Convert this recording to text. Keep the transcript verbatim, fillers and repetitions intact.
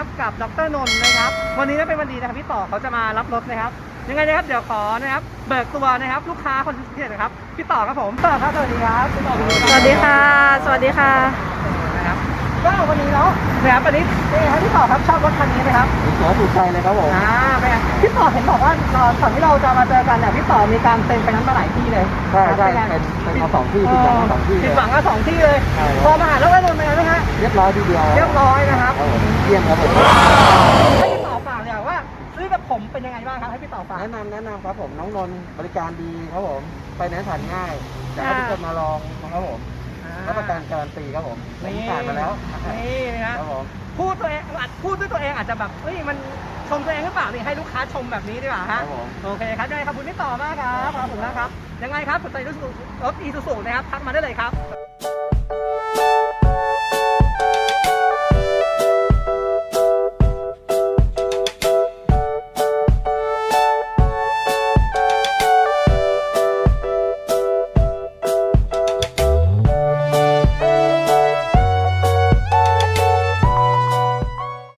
นะครับกับดรนนท์นะครับวันนี้เป็นวันดีนะครับพี่ต่อเขาจะมารับรถนะครับยังไงนะครับเดี๋ยวขอนะครับเบิกตัวนะครับลูกค้าคนพิเศษนะครับพี่ต่อครับผมต่อครับสวัสดีครับพี่ต่อสวัสดีค่ะสวัสดีค่ะนะครับก็วันนี้เนาะนะครับวันนี้เป็นไงครับพี่ต่อครับชอบรถคันนี้ไหมครับสวยถูกใจเลยครับผมอ่าเป็นไงพี่ต่อเห็นบอกว่าก่อนที่เราจะมาเจอกันเนี่ยพี่ต่อมีการเซ็นไปนั้นมาหลายที่เลยใช่ใช่เป็นเป็นมาสองที่ผิดหวังมาสองที่ผิดหวังมาสองที่เลยพอมาหาแล้วไอ้นนท์เป็นไงไหมฮะเรียบร้อยทีเดียวเรียบร้อยนะครับเยี่ยมครับผมให้พี่ต่อฝากเลยว่าซื้อกับผมเป็นยังไงบ้างครับให้พี่ต่อฝากแนะนำแนะนำครับผมน้องนนท์บริการดีครับผมไปไหนผ่านง่ายอยากให้ทุกคนมาลองนะครับผมรับประกันการันตีครับผมผมผ่านมาแล้วนี่นะครับผมพูดตัวเองพูดด้วยตัวเองอาจจะแบบเฮ้ยมันชมตัวเองหรือเปล่านี่ให้ลูกค้าชมแบบนี้ดีกว่าฮะโอเคครับยังไงขอบคุณพี่ต่อมากครับขอบคุณนะครับยังไงครับสนใจรถอีซูซูนะครับทักมาได้เลยครับ